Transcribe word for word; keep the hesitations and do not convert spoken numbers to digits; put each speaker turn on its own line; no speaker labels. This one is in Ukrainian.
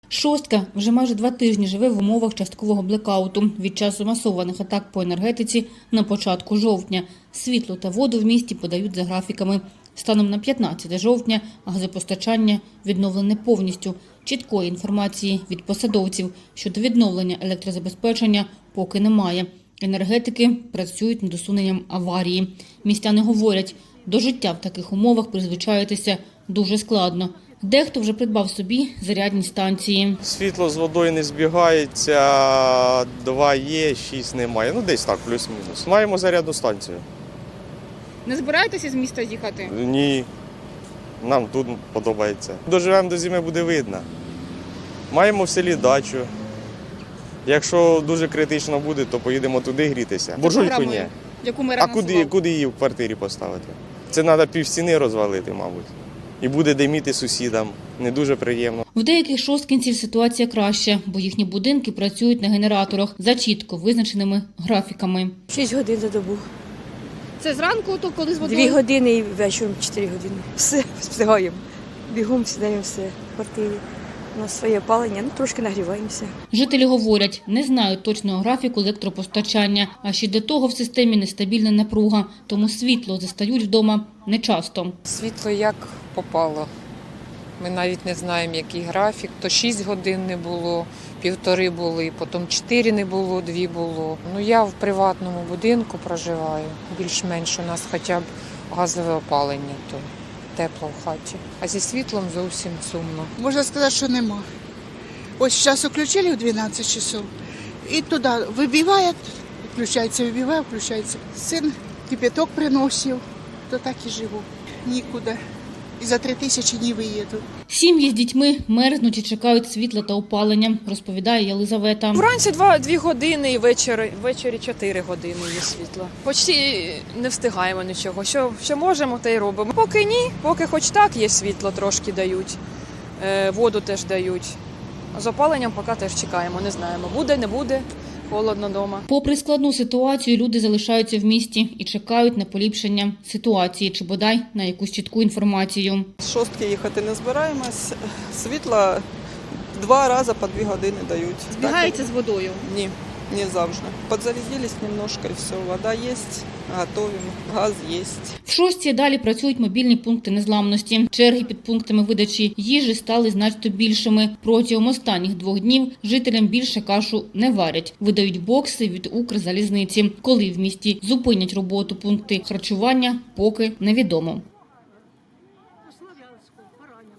Шостка вже майже два тижні живе в умовах часткового блекауту від часу масованих атак по енергетиці на початку жовтня. Світло та воду в місті подають за графіками. Станом на п'ятнадцяте жовтня газопостачання відновлене повністю. Чіткої інформації від посадовців щодо відновлення електрозабезпечення поки немає. Енергетики працюють над усуненням аварії. Містяни говорять, до життя в таких умовах призвичаїтися дуже складно. Дехто вже придбав собі зарядні станції.
Світло з водою не збігається, два є, шість немає. Ну, десь так, плюс-мінус. Маємо зарядну станцію.
Не збираєтеся з міста їхати?
Ні, нам тут подобається. Доживемо до зими, буде видно. Маємо в селі дачу. Якщо дуже критично буде, то поїдемо туди грітися. Буржуйку ні.
Яку ми
А куди, куди її в квартирі поставити? Це треба півстіни розвалити, мабуть. І буде диміти сусідам. Не дуже приємно.
В деяких шосткінців ситуація краща, бо їхні будинки працюють на генераторах за чітко визначеними графіками.
Шість годин за добу.
Це зранку, то коли з водою?
Дві години і вечором чотири години. Все, встигаємо. Бігом сідаємо все в квартирі. У нас своє опалення, ну трошки нагріваємося.
Жителі говорять, не знають точного графіку електропостачання, а ще до того в системі нестабільна напруга, тому світло застають вдома нечасто.
Світло як попало. Ми навіть не знаємо, який графік. То шість годин не було, півтори були, потім чотири не було, дві було. Ну я в приватному будинку проживаю, більш-менш у нас хоча б газове опалення, то тепло в хаті. А зі світлом зовсім сумно.
Можна сказати, що нема. Ось зараз включили в дванадцять часов, і туди вибиває, включається, вибиває, включається. Син кипяток приносив, то так і живу. Нікуди. І за три тисячі не виїду.
Сім'ї з дітьми мерзнуть і чекають світла та опалення, розповідає Єлизавета.
Вранці два, дві години і ввечері, ввечері чотири години є світло. Почти не встигаємо нічого. Що, що можемо, те й робимо. Поки ні, поки хоч так є світло, трошки дають, е, воду теж дають. З опаленням поки теж чекаємо, не знаємо, буде, не буде. Холодно вдома.
Попри складну ситуацію, люди залишаються в місті і чекають на поліпшення ситуації чи бодай на якусь чітку інформацію.
З шостки їхати не збираємось. Світла два рази по дві години дають.
Збігається з водою?
Ні, не завжди. Подзарядились немножко і все. Вода є, готуємо, газ є.
В шостці далі працюють мобільні пункти незламності. Черги під пунктами видачі їжі стали значно більшими. Протягом останніх двох днів жителям більше кашу не варять. Видають бокси від Укрзалізниці. Коли в місті зупинять роботу пункти харчування, поки невідомо.